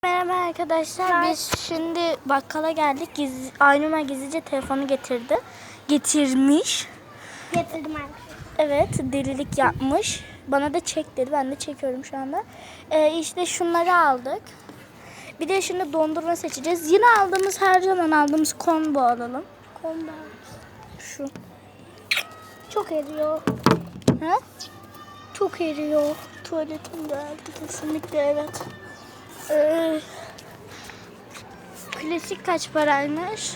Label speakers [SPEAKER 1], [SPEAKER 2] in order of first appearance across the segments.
[SPEAKER 1] Merhaba arkadaşlar. Biz şimdi bakkala geldik. Aynuma gizlice telefonu getirmiş.
[SPEAKER 2] Getirdim arkadaşlar.
[SPEAKER 1] Evet, delilik yapmış. Bana da çek dedi. Ben de çekiyorum şu anda. İşte şunları aldık. Bir de şimdi dondurma seçeceğiz. Yine her zaman aldığımız combo alalım.
[SPEAKER 2] Komba.
[SPEAKER 1] Şu.
[SPEAKER 2] Çok eriyor.
[SPEAKER 1] Ha?
[SPEAKER 2] Çok eriyor.
[SPEAKER 1] Tuvaletim geldi kesinlikle, evet. Klasik kaç paraymış?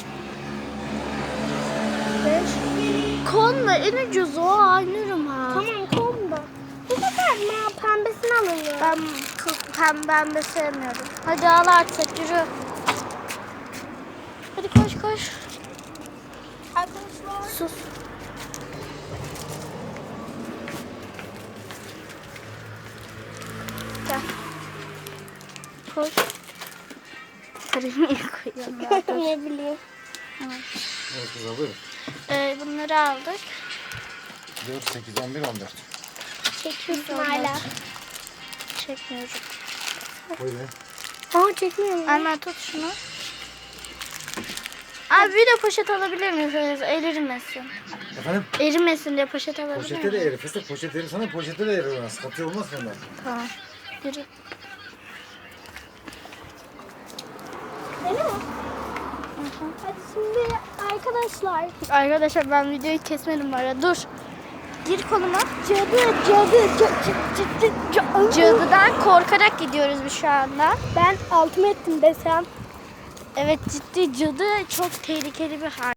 [SPEAKER 1] 5. Konla en ucuzu o Aynur'um ha.
[SPEAKER 2] Tamam komba. Bu sefer pembesini alalım.
[SPEAKER 1] Ben pembe sevmiyorum. Hadi al artık, yürü. Hadi koş.
[SPEAKER 2] Arkadaşlar.
[SPEAKER 1] Sus. Gel. Koş. Karıyı niye koyuyorum ya? Dur.
[SPEAKER 2] Ne bileyim.
[SPEAKER 3] Evet kızım buyurun.
[SPEAKER 1] Bunları aldık.
[SPEAKER 3] 4, 8, 11, 14.
[SPEAKER 2] Çekiyorsun hala.
[SPEAKER 1] Çekmiyorum.
[SPEAKER 3] Buyurun.
[SPEAKER 2] Çekmiyorum.
[SPEAKER 1] Anne tut şunu. Abi bir de poşet alabilir miyiz? Erimesin.
[SPEAKER 3] Efendim?
[SPEAKER 1] Erimesin diye poşet alabilir miyim?
[SPEAKER 3] Poşete de erir. Fıstık poşet erir sana, poşete de erir ona. Sıkıntı olmaz bundan.
[SPEAKER 1] Tamam. Yürü.
[SPEAKER 2] Öyle mi? Hadi şimdi arkadaşlar.
[SPEAKER 1] Arkadaşlar ben videoyu kesmedim bari. Dur. Gir koluma. Cadıdan korkarak gidiyoruz biz şu anda.
[SPEAKER 2] Ben altıma ettim desem.
[SPEAKER 1] Evet, ciddi cadı çok tehlikeli bir hal.